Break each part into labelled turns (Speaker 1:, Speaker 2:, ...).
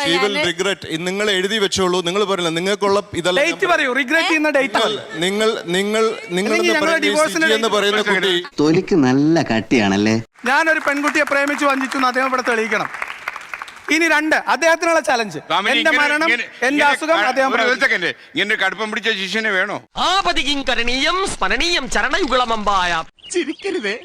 Speaker 1: നിങ്ങൾ എഴുതി വെച്ചോളൂ. നിങ്ങൾ പറയില്ല നിങ്ങൾക്കുള്ള എന്ന് പറയുന്ന കുട്ടി
Speaker 2: തൊലിക്ക് നല്ല കട്ടിയാണല്ലേ.
Speaker 3: ഞാനൊരു പെൺകുട്ടിയെ പ്രേമിച്ചു വഞ്ചിച്ചു അദ്ദേഹം ഇവിടെ തെളിയിക്കണം. ഇനി 2 അദ്ദേഹത്തിനുള്ള ചലഞ്ച്. എന്റെ മരണം, എന്റെ അസുഖം അദ്ദേഹം
Speaker 4: ഇങ്ങനെ കടുപ്പം പിടിച്ച ശിഷ്യനെ വേണോ?
Speaker 5: ആപതികരണീയം സ്മരണീയം ചരണയുഗളമമ്പായ
Speaker 4: ചിരിക്കരുതേ.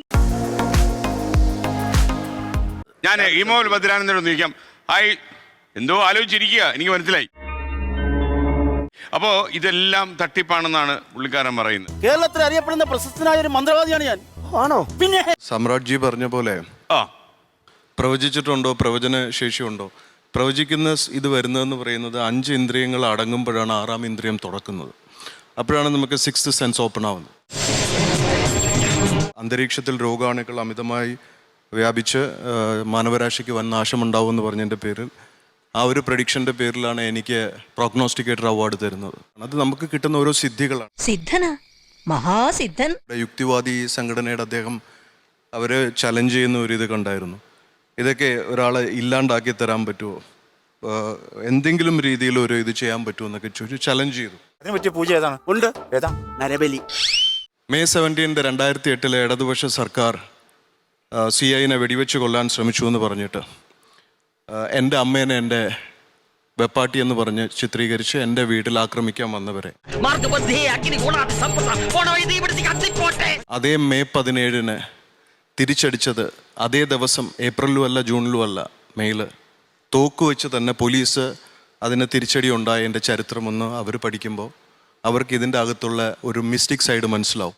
Speaker 4: ഞാൻ ഇമോൽ ഭദ്രാനന്ദനോട് ചോദിക്കാം. ഹായ്, എന്തോ ആലോചിച്ചിരിക്കുക, എനിക്ക് മനസ്സിലായി. അപ്പോ ഇതെല്ലാം തട്ടിപ്പാണെന്നാണ് പുള്ളിക്കാരൻ പറയുന്നത്.
Speaker 6: കേരളത്തിൽ അറിയപ്പെടുന്ന പ്രശസ്തനായ ഒരു മന്ത്രവാദിയാണ് ഞാൻ. ആണോ? പിന്നെ
Speaker 1: സമ്രാട്ജി പറഞ്ഞ പോലെ പ്രവചിച്ചിട്ടുണ്ടോ, പ്രവചന ശേഷിയുണ്ടോ? പ്രവചിക്കുന്ന ഇത് വരുന്നതെന്ന് പറയുന്നത് 5 ഇന്ദ്രിയങ്ങൾ അടങ്ങുമ്പോഴാണ് 6ാം ഇന്ദ്രിയം തുറക്കുന്നത്. അപ്പോഴാണ് നമുക്ക് 6th സെൻസ് ഓപ്പൺ ആവുന്നത്. അന്തരീക്ഷത്തിൽ രോഗാണുക്കൾ അമിതമായി വ്യാപിച്ച് മാനവരാശിക്ക് വൻ നാശമുണ്ടാവുമെന്ന് പറഞ്ഞതിൻ്റെ പേരിൽ, ആ ഒരു പ്രഡിക്ഷൻ്റെ പേരിലാണ് എനിക്ക് പ്രോഗ്നോസ്റ്റിക്കേറ്റർ അവാർഡ് തരുന്നത്. അത് നമുക്ക് കിട്ടുന്ന ഓരോ സിദ്ധികളാണ്.
Speaker 7: സിദ്ധനാ, മഹാസിദ്ധൻ.
Speaker 1: യുക്തിവാദി സംഘടനയുടെ അദ്ദേഹം അവർ ചലഞ്ച് ചെയ്യുന്ന ഒരു ഇത് കണ്ടായിരുന്നു. ഇതൊക്കെ ഒരാളെ ഇല്ലാണ്ടാക്കി തരാൻ പറ്റുമോ, എന്തെങ്കിലും രീതിയിൽ ഒരു ഇത് ചെയ്യാൻ പറ്റുമോ എന്നൊക്കെ ചോദിച്ചു ചലഞ്ച് ചെയ്തു.
Speaker 6: അതിനെ പറ്റിയ പൂജ ഏതാണ്? ഉണ്ട്. ഏതാ? നരബലി.
Speaker 1: May 17, 2008 ഇടതുപക്ഷ സർക്കാർ CIനെ വെടിവെച്ച് കൊല്ലാൻ ശ്രമിച്ചു എന്ന് പറഞ്ഞിട്ട് എൻ്റെ അമ്മേനെ എൻ്റെ വെപ്പാട്ടി എന്ന് പറഞ്ഞ് ചിത്രീകരിച്ച് എൻ്റെ വീട്ടിൽ ആക്രമിക്കാൻ വന്നവരെ അതേ May 17 തിരിച്ചടിച്ചത് അതേ ദിവസം ഏപ്രിലും അല്ല ജൂണിലും അല്ല, മെയ്യിൽ തോക്ക് വെച്ച് തന്നെ പോലീസ് അതിന് തിരിച്ചടി ഉണ്ടായതിൻ്റെ ചരിത്രമൊന്ന് അവർ പഠിക്കുമ്പോൾ അവർക്ക് ഇതിൻ്റെ അകത്തുള്ള ഒരു മിസ്റ്റിക് സൈഡ് മനസ്സിലാവും.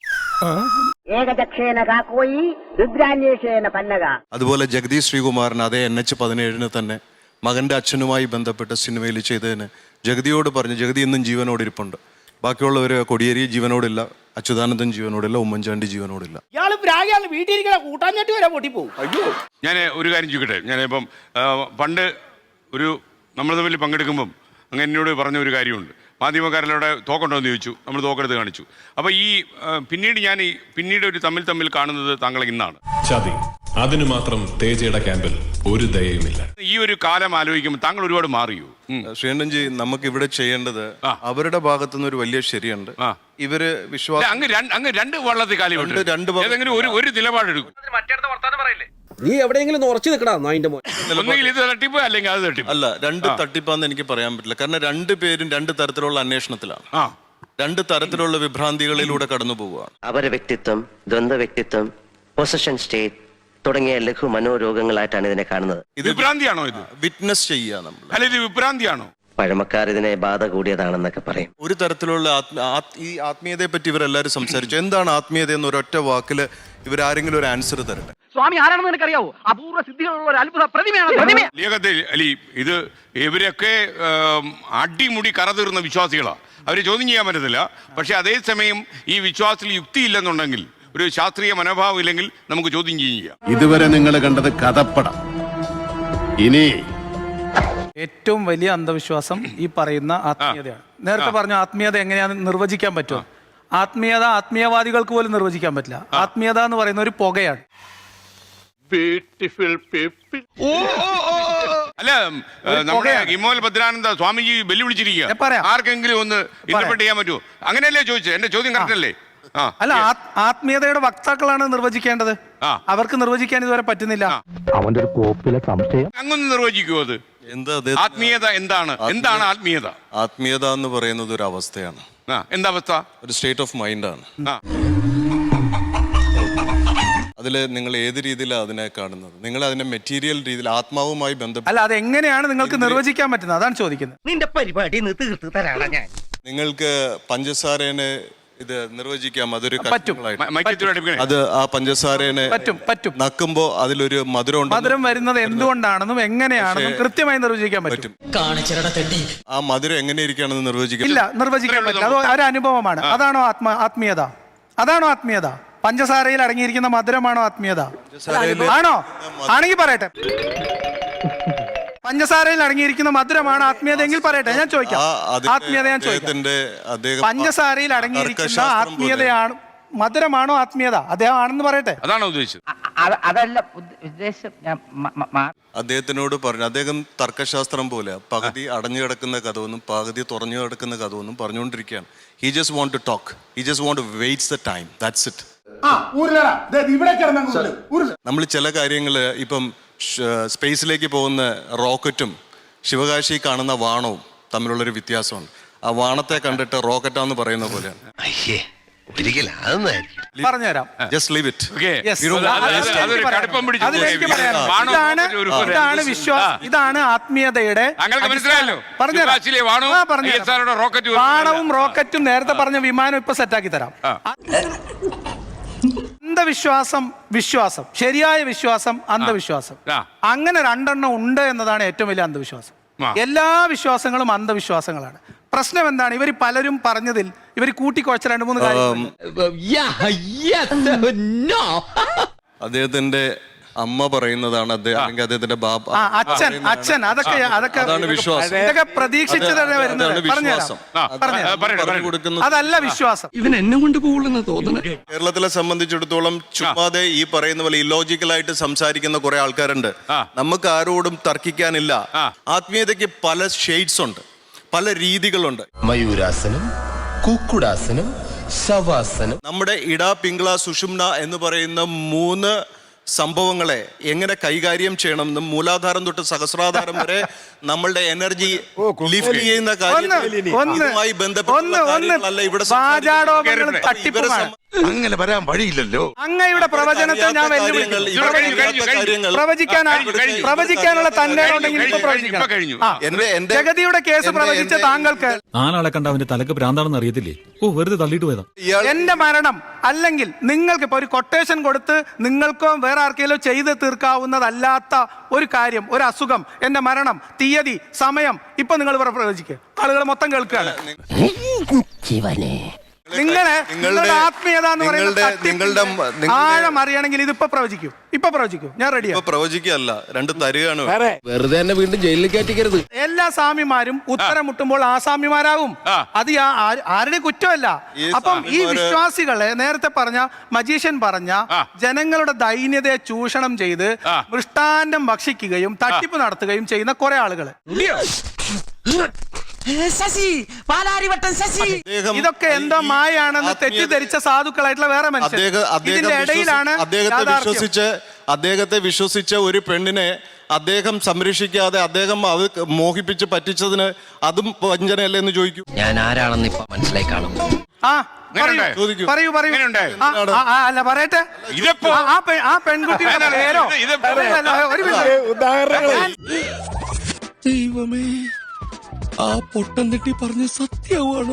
Speaker 1: അതുപോലെ ജഗദീഷ് ശ്രീകുമാറിന് അതേ NH-17 തന്നെ മകൻ്റെ അച്ഛനുമായി ബന്ധപ്പെട്ട സിനിമയിൽ ചെയ്തതിന് ജഗതിയോട് പറഞ്ഞു, ജഗതി ഇന്നും ജീവനോട് ഇരിപ്പുണ്ട്. ബാക്കിയുള്ളവർ കൊടിയേരി ജീവനോടില്ല, അച്യുതാനന്ദൻ ജീവനോടില്ല, ഉമ്മൻചാണ്ടി ജീവനോടില്ല.
Speaker 4: ഞാൻ ഒരു കാര്യം ചോദിക്കട്ടെ. ഞാനിപ്പം പണ്ട് നമ്മൾ തമ്മിൽ പങ്കെടുക്കുമ്പം അങ്ങ് എന്നോട് പറഞ്ഞ ഒരു കാര്യമുണ്ട്. മാധ്യമക്കാരിലൂടെ തോക്കുണ്ടോ എന്ന് ചോദിച്ചു, നമ്മൾ തോക്കെടുത്ത് കാണിച്ചു. അപ്പോൾ പിന്നീട് ഒരു തമ്മിൽ കാണുന്നത് താങ്കളെ ഇന്നാണ്.
Speaker 8: ചതി, അതിന് മാത്രം തേജയുടെ ക്യാമ്പിൽ ഒരു ദയയുമില്ല.
Speaker 4: ഈ ഒരു കാലം ആലോചിക്കുമ്പോൾ താങ്കൾ ഒരുപാട് മാറിയോ?
Speaker 1: ശ്രീകണ്ഠൻജി, നമുക്ക് ഇവിടെ ചെയ്യേണ്ടത് അവരുടെ ഭാഗത്തുനിന്ന് ഒരു വലിയ ശരിയുണ്ട്. ഇവര് വിശ്വാസം
Speaker 4: അങ്ങ് 2 വള്ളത്തിൽ കാലം ഒരു നിലപാടെടുക്കും.
Speaker 6: നീ എവിടെയെങ്കിലും ഉറച്ചു നിൽക്കടാ.
Speaker 4: ഒന്നുകിൽ ഇത് തട്ടിപ്പ് അല്ലെങ്കിൽ അത് തട്ടിപ്പ്.
Speaker 1: അല്ല, 2 തട്ടിപ്പാന്ന് എനിക്ക് പറയാൻ പറ്റില്ല. കാരണം 2 പേരും 2 തരത്തിലുള്ള അന്വേഷണത്തിലാണ്, 2 തരത്തിലുള്ള വിഭ്രാന്തികളിലൂടെ കടന്നു പോവുകയാണ്.
Speaker 2: അവരുടെ വ്യക്തിത്വം, ദ്വന്ദ്വ വ്യക്തിത്വം, പൊസഷൻ സ്റ്റേറ്റ് തുടങ്ങിയ ലഘു മനോരോഗങ്ങളായിട്ടാണ് ഇതിനെ കാണുന്നത്.
Speaker 4: ഇത് വിഭ്രാന്തിയാണോ? ഇത്
Speaker 1: വിറ്റ്നസ് ചെയ്യുക നമ്മൾ.
Speaker 4: അല്ല, ഇത് വിഭ്രാന്തിയാണോ?
Speaker 2: പഴമക്കാർ ഇതിനെ ബാധ കൂടിയതാണെന്നൊക്കെ പറയും.
Speaker 1: ഒരു തരത്തിലുള്ള ഈ ആത്മീയതയെ പറ്റി ഇവരെല്ലാവരും സംസാരിച്ചു. എന്താണ് ആത്മീയത എന്ന് ഒരൊറ്റ വാക്കിൽ ഇവരാരെങ്കിലും ഒരു ആൻസർ തരട്ടെ.
Speaker 5: സ്വാമി ആരാണെന്ന് എനിക്കറിയാവോ? അപൂർവ സിദ്ധികളുള്ള ഒരു അത്ഭുത പ്രതിമയാണ്.
Speaker 4: ഇത് ഇവരൊക്കെ അടിമുടി കറതീർന്ന വിശ്വാസികളാണ്. അവര് ചോദ്യം ചെയ്യാൻ പറ്റത്തില്ല. പക്ഷെ അതേസമയം ഈ വിശ്വാസത്തിൽ യുക്തിയില്ലെന്നുണ്ടെങ്കിൽ, ഒരു ശാസ്ത്രീയ മനോഭാവം ഇല്ലെങ്കിൽ നമുക്ക് ചോദ്യം ചെയ്യാം.
Speaker 9: ഇതുവരെ നിങ്ങൾ കണ്ടത് കഥപ്പടം. ഇനി
Speaker 3: ഏറ്റവും വലിയ അന്ധവിശ്വാസം ഈ പറയുന്ന ആത്മീയതയാണ്. നേരത്തെ പറഞ്ഞു ആത്മീയത എങ്ങനെയാണെന്ന് നിർവചിക്കാൻ പറ്റുമോ? ആത്മീയവാദികൾക്ക് പോലും നിർവചിക്കാൻ പറ്റില്ല. ആത്മീയത എന്ന് പറയുന്ന ഒരു പുകയാണ്.
Speaker 4: അല്ല, നമ്മുടെ ഇമോൽ ഭദ്രാനന്ദ സ്വാമിജി വെല്ലുവിളിച്ചിരിക്കുക. ആർക്കെങ്കിലും ഒന്ന് ഇന്റർപ്രറ്റ് ചെയ്യാൻ പറ്റുമോ? അങ്ങനെയല്ലേ ചോദിച്ചത്? എന്റെ ചോദ്യം കറക്റ്റ് അല്ലേ?
Speaker 3: അല്ല, ആത്മീയതയുടെ വക്താക്കളാണ് നിർവചിക്കേണ്ടത്. അവർക്ക് നിർവചിക്കാൻ ഇതുവരെ പറ്റുന്നില്ല.
Speaker 6: അവന്റെ ഒരു കോപ്പിലെ സംശയം
Speaker 4: അങ്ങൊന്ന് നിർവചിക്കുമോ? അത് ആത്മീയത എന്താണ്? ആത്മീയത?
Speaker 1: ആത്മീയത എന്ന് പറയുന്നത് ഒരു അവസ്ഥയാണ്.
Speaker 4: എന്താ അവസ്ഥ?
Speaker 1: ഒരു സ്റ്റേറ്റ് ഓഫ് മൈൻഡാണ്. അതിൽ നിങ്ങൾ ഏത് രീതിയിലാണ് അതിനെ കാണുന്നത്? നിങ്ങൾ അതിനെ മെറ്റീരിയൽ രീതിയിൽ ആത്മാവുമായി ബന്ധപ്പെട്ട്,
Speaker 3: അല്ല, അതെങ്ങനെയാണ് നിങ്ങൾക്ക് നിർവചിക്കാൻ പറ്റുന്നത്? അതാണ് ചോദിക്കുന്നത്.
Speaker 5: നിന്റെ പരിപാടി തീർത്ത് തരാണ് ഞാൻ.
Speaker 1: നിങ്ങൾക്ക് പഞ്ചസാരേനെ ഇത് നിർവചിക്കാം. അതൊരു
Speaker 4: അത്
Speaker 1: ആ പഞ്ചസാരേനെ നക്കുമ്പോ അതിലൊരു മധുരം
Speaker 3: വരുന്നത് എന്തുകൊണ്ടാണെന്നും എങ്ങനെയാണെന്നും കൃത്യമായി നിർവചിക്കാൻ പറ്റും.
Speaker 1: ആ മധുരം എങ്ങനെ ഇരിക്കുകയാണെന്ന് നിർവചിക്കാൻ
Speaker 3: പറ്റില്ല. അത് ഒരു അനുഭവമാണ്. അതാണോ ആത്മീയത? അതാണോ ആത്മീയത? പഞ്ചസാരയിൽ അടങ്ങിയിരിക്കുന്ന മധുരമാണോ ആത്മീയത? ആണോ? ആണെങ്കിൽ പറയട്ടെ. പഞ്ചസാരയിൽ അടങ്ങിയിരിക്കുന്ന മധുരമാണ് ആത്മീയത എങ്കിൽ പറയട്ടെ. ഞാൻ ചോദിക്കാം, ആത്മീയത ഞാൻ ചോദിക്കാം. പഞ്ചസാരയിൽ അടങ്ങിയിരിക്കുന്ന ആത്മീയതയാണ്. മധുരമാണോ ആത്മീയത? അദ്ദേഹം ആണെന്ന് പറയട്ടെ.
Speaker 4: അതാണോ ഉദ്ദേശിച്ചത്?
Speaker 5: അതല്ല ഉദ്ദേശം. ഞാൻ
Speaker 1: അദ്ദേഹത്തിനോട് പറഞ്ഞു, അദ്ദേഹം തർക്കശാസ്ത്രം പോലെ പകുതി അടഞ്ഞു കിടക്കുന്ന കഥവൊന്നും പകുതി തുറഞ്ഞു കിടക്കുന്ന കഥവൊന്നും പറഞ്ഞുകൊണ്ടിരിക്കുകയാണ്. He just want to talk, he just want to waits the time, that's it. നമ്മൾ ചില കാര്യങ്ങൾ ഇപ്പം സ്പേസിലേക്ക് പോകുന്ന റോക്കറ്റും ശിവകാശി കാണുന്ന വാണവും തമ്മിലുള്ളൊരു വ്യത്യാസമുണ്ട്. ആ വാണത്തെ കണ്ടിട്ട് റോക്കറ്റാന്ന് പറയുന്ന പോലെയാണ്.
Speaker 3: പറഞ്ഞുതരാം.
Speaker 1: Just leave it.
Speaker 4: Okay.
Speaker 3: Yes.
Speaker 4: അതൊരു കടുപ്പം പിടിച്ച
Speaker 3: അതിലേക്ക്
Speaker 4: ചോദ്യമാണ്.
Speaker 3: പറയാം.
Speaker 4: വാണോ ഒരു
Speaker 3: ഇതാണ് വിശ്വാസം, ഇതാണ് ആത്മീയതയുടെ.
Speaker 4: താങ്കൾക്ക് മനസ്സിലായല്ലോ? ശിവകാശിയിലെ വാണവും ISRO യുടെ റോക്കറ്റും.
Speaker 3: വാണവും റോക്കറ്റും നേരത്തെ പറഞ്ഞ വിമാനം ഇപ്പൊ സെറ്റാക്കി തരാം. അന്ധവിശ്വാസം, വിശ്വാസം, ശരിയായ വിശ്വാസം, അന്ധവിശ്വാസം, അങ്ങനെ രണ്ടെണ്ണം ഉണ്ട് എന്നതാണ് ഏറ്റവും വലിയ അന്ധവിശ്വാസം. എല്ലാ വിശ്വാസങ്ങളും അന്ധവിശ്വാസങ്ങളാണ്. പ്രശ്നം എന്താണ്? ഇവർ പലരും പറഞ്ഞതിൽ ഇവർ കൂട്ടിക്കുഴച്ച 2-3 കാര്യം.
Speaker 1: അദ്ദേഹത്തിന്റെ അമ്മ പറയുന്നതാണ് അല്ലെങ്കിൽ അദ്ദേഹത്തിന്റെ ബാബ,
Speaker 3: അച്ഛൻ അതൊക്കെ
Speaker 1: അതാണ് വിശ്വാസം.
Speaker 3: ഇതൊക്കെ പ്രതീക്ഷിച്ചതാണ് വരുന്നത്. അതല്ല വിശ്വാസം.
Speaker 5: ഇവൻ എന്നെ കൊണ്ട് പോകുന്ന തോന്നുന്നു.
Speaker 1: കേരളത്തിലെ സംബന്ധിച്ചിടത്തോളം ചുമ്മാതെ ഈ പറയുന്ന പോലെ ഇല്ലോജിക്കലായിട്ട് സംസാരിക്കുന്ന കുറെ ആൾക്കാരുണ്ട്. നമുക്ക് ആരോടും തർക്കിക്കാനില്ല. ആത്മീയതയ്ക്ക് പല ഷെയ്ഡ്സ് ഉണ്ട്, പല രീതികളുണ്ട്.
Speaker 10: മയൂരാസനം, കുക്കുടാസനം, ശവാസനം.
Speaker 1: നമ്മുടെ ഇട, പിങ്കള, സുഷുമ്ന എന്ന് പറയുന്ന 3 സംഭവങ്ങളെ എങ്ങനെ കൈകാര്യം ചെയ്യണമെന്നും മൂലാധാരം തൊട്ട് സഹസ്രാധാരം വരെ നമ്മളുടെ എനർജി ലിഫ്റ്റ് ചെയ്യുന്ന കാര്യവുമായി ബന്ധപ്പെട്ട കാര്യങ്ങളല്ല ഇവിടെ
Speaker 9: അങ്ങനെ വരാൻ വഴിയില്ലല്ലോ.
Speaker 3: അങ്ങയുടെ പ്രവചനത്തെ ഞാൻ പ്രവചിക്കാനുള്ള തന്നെ ജഗതിയുടെ കേസ് പ്രവചിച്ച താങ്കൾക്ക്
Speaker 8: 4 ആളെ കണ്ട അവന്റെ തലക്ക് ഭ്രാന്താണെന്ന് അറിയത്തില്ലേ? ഓ, വെറുതെ തള്ളിയിട്ട് പോയതാ.
Speaker 3: എന്റെ മരണം അല്ലെങ്കിൽ നിങ്ങൾക്ക് ഇപ്പൊ ഒരു കൊട്ടേഷൻ കൊടുത്ത് നിങ്ങൾക്കോ വേറെ ആർക്കെങ്കിലും ചെയ്ത് തീർക്കാവുന്നതല്ലാത്ത ഒരു കാര്യം, ഒരു അസുഖം, എന്റെ മരണം, തീയതി, സമയം ഇപ്പൊ നിങ്ങൾ പ്രവചിക്കുക. ആളുകൾ മൊത്തം കേൾക്കുകയാണ്. നിങ്ങളുടെ ആത്മീയത എന്ന് പറയുന്നത് ആഴം അറിയണമെങ്കിൽ ഇതിപ്പോ പ്രവചിക്കൂ. ഞാൻ റെഡിയാണ്.
Speaker 1: പ്രവചിക്കല്ല, 2 തരികയാണ്.
Speaker 10: വെറുതെ തന്നെ വീണ്ടും ജയിലിൽ കയറ്റിക്കരുത്.
Speaker 3: എല്ലാ സ്വാമിമാരും ഉത്തരം മുട്ടുമ്പോൾ ആസാമ്യമാരാകും. അത് ആരുടെ കുറ്റമല്ല. അപ്പം ഈ വിശ്വാസികളെ നേരത്തെ പറഞ്ഞ മജീഷ്യൻ പറഞ്ഞ ജനങ്ങളുടെ ദൈന്യതയെ ചൂഷണം ചെയ്ത് മൃഷ്ടാന്നം ഭക്ഷിക്കുകയും തട്ടിപ്പ് നടത്തുകയും ചെയ്യുന്ന കുറെ ആളുകൾ. ഇതൊക്കെ എന്തോ മായാണെന്ന് തെറ്റിദ്ധരിച്ച സാധുക്കളായിട്ടുള്ള വേറെ മനുഷ്യർ. ഇതിന്റെ ഇടയിലാണ്
Speaker 1: അദ്ദേഹത്തെ വിശ്വസിച്ച ഒരു പെണ്ണിനെ അദ്ദേഹം സംരക്ഷിക്കാതെ അദ്ദേഹം അത് മോഹിപ്പിച്ച് പറ്റിച്ചതിന് അതും വഞ്ചനയല്ലേ എന്ന് ചോദിക്കൂ.
Speaker 2: ഞാൻ ആരാണെന്ന് ഇപ്പൊ മനസ്സിലായി കാണും.
Speaker 3: പറയൂ. അല്ല പറയട്ടെ. ആ പെൺകുട്ടിയുടെ പേരോ
Speaker 10: ദൈവമേ, ആ പൊട്ടം തെറ്റി പറഞ്ഞ സത്യമാണോ?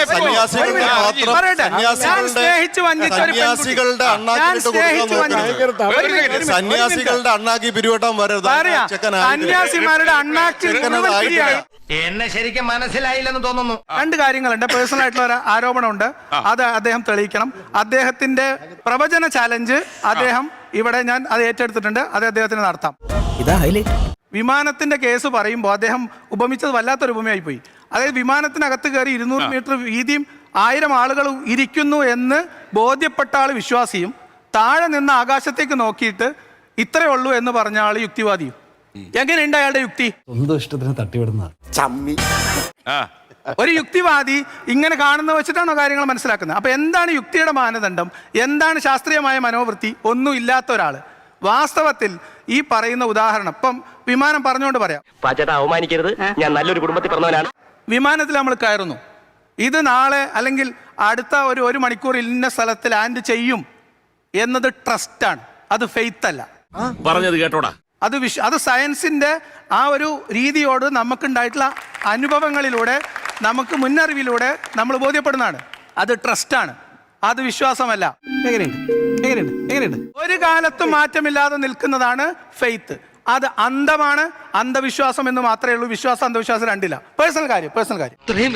Speaker 1: സന്യാസികളുടെ അണ്ണാക്കി പിരിവട്ടാൻ വരരുത്.
Speaker 3: സന്യാസിമാരുടെ അണ്ണാക്കി
Speaker 5: എന്നെ ശരിക്കും മനസ്സിലായില്ലെന്ന് തോന്നുന്നു.
Speaker 3: 2 കാര്യങ്ങളുണ്ട്. പേഴ്സണൽ ആയിട്ടുള്ള ഒരു ആരോപണമുണ്ട്, അത് അദ്ദേഹം തെളിയിക്കണം. അദ്ദേഹത്തിന്റെ പ്രവചന ചാലഞ്ച് അദ്ദേഹം ഇവിടെ ഞാൻ അത് ഏറ്റെടുത്തിട്ടുണ്ട്, അത് അദ്ദേഹത്തിന് നടത്താം. വിമാനത്തിന്റെ കേസ് പറയുമ്പോൾ അദ്ദേഹം ഉപമിച്ചത് വല്ലാത്തൊരു ഉപമയായി പോയി. അതായത് വിമാനത്തിനകത്ത് കയറി 200 മീറ്റർ വീതിയും 1000 ആളുകൾ ഇരിക്കുന്നു എന്ന് ബോധ്യപ്പെട്ട ആൾ വിശ്വാസിയും താഴെ നിന്ന് ആകാശത്തേക്ക് നോക്കിയിട്ട് ഇത്രയേ ഉള്ളൂ എന്ന് പറഞ്ഞ ആൾ യുക്തിവാദിയും. എങ്ങനെയുണ്ട് അയാളുടെ യുക്തി?
Speaker 6: സ്വന്തം ഇഷ്ടത്തിന് തട്ടിവിടുന്ന ചമ്മി.
Speaker 3: ഒരു യുക്തിവാദി ഇങ്ങനെ കാണുന്ന വെച്ചിട്ടാണോ കാര്യങ്ങൾ മനസ്സിലാക്കുന്നത്? അപ്പൊ എന്താണ് യുക്തിയുടെ മാനദണ്ഡം? എന്താണ് ശാസ്ത്രീയമായ മനോവൃത്തി? ഒന്നും ഇല്ലാത്ത ഒരാള് വാസ്തവത്തിൽ ഈ പറയുന്ന ഉദാഹരണം ഇപ്പം വിമാനം പറഞ്ഞുകൊണ്ട് പറയാം.
Speaker 2: അവമാനിക്കരുത്, ഞാൻ നല്ലൊരു കുടുംബത്തിൽ പറഞ്ഞവനാണ്.
Speaker 3: വിമാനത്തിൽ നമ്മൾ കയറുന്നു, ഇത് നാളെ അല്ലെങ്കിൽ അടുത്ത ഒരു മണിക്കൂർ ഇന്ന സ്ഥലത്ത് ലാൻഡ് ചെയ്യും എന്നത് ട്രസ്റ്റാണ്, അത് ഫെയ്ത്ത് അല്ല.
Speaker 9: പറഞ്ഞത് കേട്ടോടാ.
Speaker 3: അത് സയൻസിന്റെ ആ ഒരു രീതിയോട് നമുക്കുണ്ടായിട്ടുള്ള അനുഭവങ്ങളിലൂടെ നമുക്ക് മുന്നറിവിലൂടെ നമ്മൾ ബോധ്യപ്പെടുന്നതാണ്. അത് ട്രസ്റ്റാണ്, അത് വിശ്വാസമല്ല. എങ്ങനെയുണ്ട്? ഒരു കാലത്തും മാറ്റമില്ലാതെ നിൽക്കുന്നതാണ് ഫെയ്ത്ത്. അത് അന്ധമാണ്, അന്ധവിശ്വാസം എന്ന് മാത്രമേ ഉള്ളൂ. വിശ്വാസം അന്ധവിശ്വാസം രണ്ടില്ല. പേഴ്സണൽ കാര്യം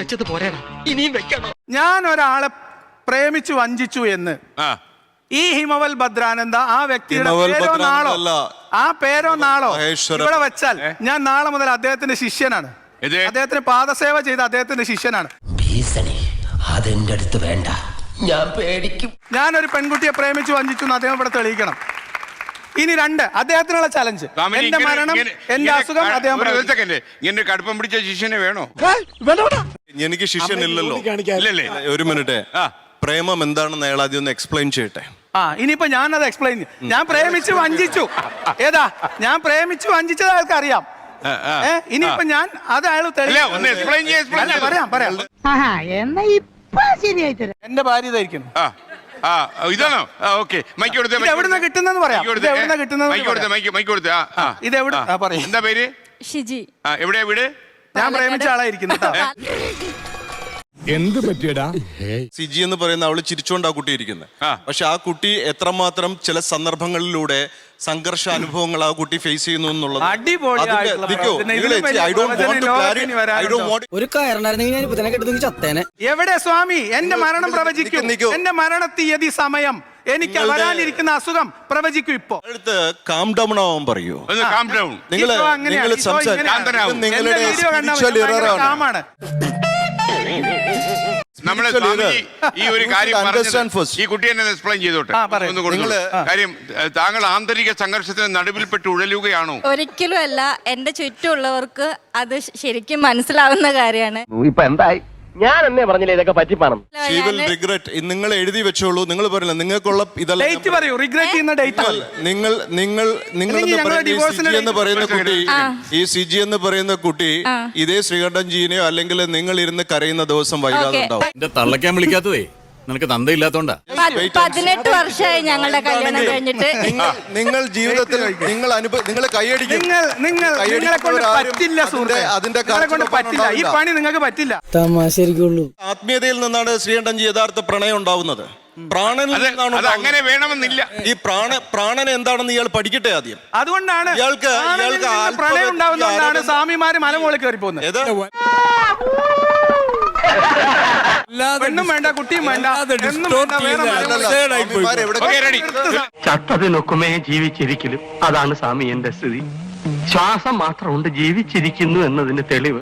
Speaker 3: ഞാൻ ഒരാളെ പ്രേമിച്ചു വഞ്ചിച്ചു എന്ന് ഈ ഹിമവൽ ഭദ്രാനന്ദ ആ വ്യക്തിയുടെ പേരോ നാളോ ഇവിടെ വെച്ചാൽ ഞാൻ നാളെ മുതൽ അദ്ദേഹത്തിന്റെ ശിഷ്യനാണ്. അദ്ദേഹത്തിന് പാദസേവ ചെയ്ത അദ്ദേഹത്തിന്റെ ശിഷ്യനാണ്.
Speaker 2: അതെന്റെ അടുത്ത് വേണ്ട. ഞാൻ പേടിക്കും.
Speaker 3: ഞാനൊരു പെൺകുട്ടിയെ പ്രേമിച്ചു വഞ്ചിച്ചു എന്ന് അദ്ദേഹം ഇവിടെ തെളിയിക്കണം. ഇനി 2 അദ്ദേഹത്തിനുള്ള ചലഞ്ച്.
Speaker 4: സ്വാമിജി,
Speaker 3: എന്റെ
Speaker 4: ഇങ്ങനെ-
Speaker 3: മരണം,
Speaker 4: ഇങ്ങനെ-
Speaker 3: എന്റെ അസുഖം അദ്ദേഹം
Speaker 4: ഒരു
Speaker 3: പ്രവചിച്ചു.
Speaker 4: സെക്കൻഡ്, ഇങ്ങനെ കടുപ്പം പിടിച്ച ശിഷ്യനെ വേണോ?
Speaker 1: എനിക്ക് ശിഷ്യനില്ലല്ലോ.
Speaker 4: ഇല്ലല്ലേ?
Speaker 1: ഒരു മിനിറ്റ്.
Speaker 4: ആ.
Speaker 1: പ്രേമം എന്താണെന്ന് അയാൾ ആദ്യം ഒന്ന് എക്സ്പ്ലെയിൻ ചെയ്യട്ടെ.
Speaker 3: ഇനിയിപ്പോ ഞാനത് എക്സ്പ്ലെയിൻ ചെയ്യും. ഞാൻ പ്രേമിച്ച് വഞ്ചിച്ചു. ഏതാ ഞാൻ പ്രേമിച്ച് വഞ്ചിച്ചത് അയാൾക്ക് അറിയാം. ഇനിയിപ്പോ ഞാൻ അത് അയാൾ
Speaker 4: അല്ല, ഒന്ന് explain ചെയ്യ്, explain ചെയ്യ്.
Speaker 3: പറയാം.
Speaker 7: എന്നാ ഇപ്പൊ ശരിയായി തരാം.
Speaker 3: എന്റെ ഭാര്യ ഇതായിരിക്കുന്നു.
Speaker 4: ഇതാണോ? ഓക്കെ, മൈക്ക് കൊടുത്തേ.
Speaker 3: ഇത് എവിടുന്നാ കിട്ടുന്നെന്ന് പറയാം. ഇത് എവിടുന്നാ കിട്ടുന്നത്
Speaker 4: മൈക്ക് കൊടുത്തേ, മൈക്ക് കൊടുത്തേ.
Speaker 3: ഇത് എവിടെ പറയും.
Speaker 4: എന്താ പേര്?
Speaker 7: ഷിജി.
Speaker 4: എവിടെയാ വീട്?
Speaker 3: ഞാൻ പ്രേമിച്ച ആളായിരിക്കുന്നു കേട്ടോ.
Speaker 10: എന്ത് പറ്റിയടാ?
Speaker 1: സിജി എന്ന് പറയുന്ന അവള് ചിരിച്ചോണ്ട് ആ കുട്ടി ഇരിക്കുന്നത്.
Speaker 4: ആ.
Speaker 1: പക്ഷെ ആ കുട്ടി എത്രമാത്രം ചില സന്ദർഭങ്ങളിലൂടെ സംഘർഷ അനുഭവങ്ങൾ ആ കുട്ടി ഫേസ് ചെയ്യുന്നു എന്നുള്ളത്
Speaker 3: അടിപൊളിയായിട്ടുള്ള പ്രവചനം. ഇതിലും വലിയ പ്രവചനം ലോകത്തിന് ഇനി വരാനുണ്ടോ?
Speaker 6: ഒരു കയറുണ്ടായിരുന്നെങ്കിൽ ഞാൻ ഇപ്പൊ തന്നെ കെട്ടുന്നെങ്കിൽ ചത്തേനെ.
Speaker 3: എവിടെ സ്വാമി എന്റെ മരണം പ്രവചിക്കും.
Speaker 1: നിക്കൂ.
Speaker 3: എന്റെ മരണത്തീയതി, സമയം, എനിക്ക് വരാനിരിക്കുന്ന അസുഖം പ്രവചിക്കും. ഇപ്പോ
Speaker 1: അടുത്ത് കാം ഡൗൺ ആവാൻ പറയൂ.
Speaker 4: ഒന്ന് calm down.
Speaker 1: നിങ്ങൾ
Speaker 3: ഈ ഷോ അങ്ങനെയാ.
Speaker 1: നിങ്ങൾ
Speaker 3: ഈ ഷോ ഇങ്ങനെയാ.
Speaker 4: ശാന്തനാവും.
Speaker 1: നിങ്ങളുടെ
Speaker 3: എന്റെ വീഡിയോ കണ്ടാൽ
Speaker 1: spiritual
Speaker 3: ഭയങ്കര
Speaker 1: error ആണ്.
Speaker 3: കാമാണ്.
Speaker 4: നമ്മള്
Speaker 1: Spiritual
Speaker 4: സ്വാമിജി ഈ ഒരു കാര്യം
Speaker 1: understand
Speaker 4: പറഞ്ഞത്
Speaker 1: first.
Speaker 4: ഈ കുട്ടി എന്നെ എക്സ്പ്ലെയിൻ ചെയ്തോട്ടെ.
Speaker 3: പറയൂ.
Speaker 4: ഒന്ന് കൊടുത്തോളൂ. കാര്യം താങ്കൾ ആന്തരിക സംഘർഷത്തിന് നടുവിൽപ്പെട്ട് ഉഴലുകയാണോ?
Speaker 7: ഒരിക്കലും അല്ല. എന്റെ ചുറ്റുമുള്ളവർക്ക് അത് ശരിക്കും മനസ്സിലാവുന്ന കാര്യമാണ്.
Speaker 5: ഇപ്പൊ എന്തായി? ഞാൻ എന്നേ പറഞ്ഞില്ലേ ഇതൊക്കെ പറ്റിപ്പാണം.
Speaker 1: She will regret. നിങ്ങൾ എഴുതി വെച്ചോളൂ. നിങ്ങൾ പറയില്ല നിങ്ങൾക്കുള്ള ഇതല്ല.
Speaker 3: ഡേറ്റ് പറയൂ. റിഗ്രറ്റ് ചെയ്യുന്ന ഡേറ്റ് പറയൂ.
Speaker 1: നിങ്ങൾ
Speaker 3: അല്ലെങ്കിൽ ഞങ്ങളുടെ divorce-ന്
Speaker 1: എന്ന് പറയുന്ന കുട്ടി,
Speaker 7: ആ.
Speaker 1: ഈ സിജി എന്ന് പറയുന്ന കുട്ടി ഇതേ ശ്രീകണ്ഠൻ ജീനെയോ അല്ലെങ്കിൽ നിങ്ങൾ ഇരുന്ന് കരയുന്ന ദിവസം വൈകാതെ
Speaker 7: Okay.
Speaker 1: ഉണ്ടാവും.
Speaker 8: എന്റെ തള്ളക്കാൻ വിളിക്കാത്തതേ നിനക്ക് തന്തയില്ലാത്തോണ്ടാ.
Speaker 7: 18 വർഷമായി ഞങ്ങളുടെ കല്യാണം കഴിഞ്ഞിട്ട്.
Speaker 1: നിങ്ങൾ ജീവിതത്തിൽ നിങ്ങൾ കൈയടിക്കും.
Speaker 3: നിങ്ങളെ കൊണ്ട് പറ്റില്ല സുഹൃത്തേ.
Speaker 1: അതിന്റെ
Speaker 3: നിങ്ങളെ കൊണ്ട് പറ്റില്ല. ഈ പണി നിങ്ങൾക്ക് പറ്റില്ല.
Speaker 6: തമാശരിക്കുള്ളൂ.
Speaker 1: ആത്മീയതയിൽ നിന്നാണ് ശ്രീകണ്ഠൻജി യഥാർത്ഥ പ്രണയം ഉണ്ടാവുന്നത്. പ്രാണനിൽ നിന്നാണ്
Speaker 4: അത് അങ്ങനെ
Speaker 1: ഉണ്ടാവുന്നത്.
Speaker 4: വേണമെന്നില്ല.
Speaker 1: ഈ പ്രാണൻ എന്താണെന്ന് ഇയാൾ പഠിക്കട്ടെ ആദ്യം.
Speaker 3: അതുകൊണ്ടാണ്
Speaker 1: ഇയാൾക്ക്
Speaker 3: പ്രണയം ഉണ്ടാവുന്നതുകൊണ്ടാണ് സ്വാമിമാര് മലമുകളിൽ കയറി പോകുന്നത്.
Speaker 1: ഏത്?
Speaker 3: പെണ്ണും വേണ്ട, കുട്ടിയും വേണ്ട, എന്നും വേണ്ട, വേറെ
Speaker 1: സ്വാമിമാർ എവിടെ-
Speaker 4: Okay, ready.
Speaker 5: ചത്തതിനൊക്കുമേ ജീവിച്ചിരിക്കലും. അതാണ് സ്വാമി എന്റെ സ്ഥിതി. ശ്വാസം മാത്രമുണ്ട് ജീവിച്ചിരിക്കുന്നു എന്നതിന് തെളിവ്.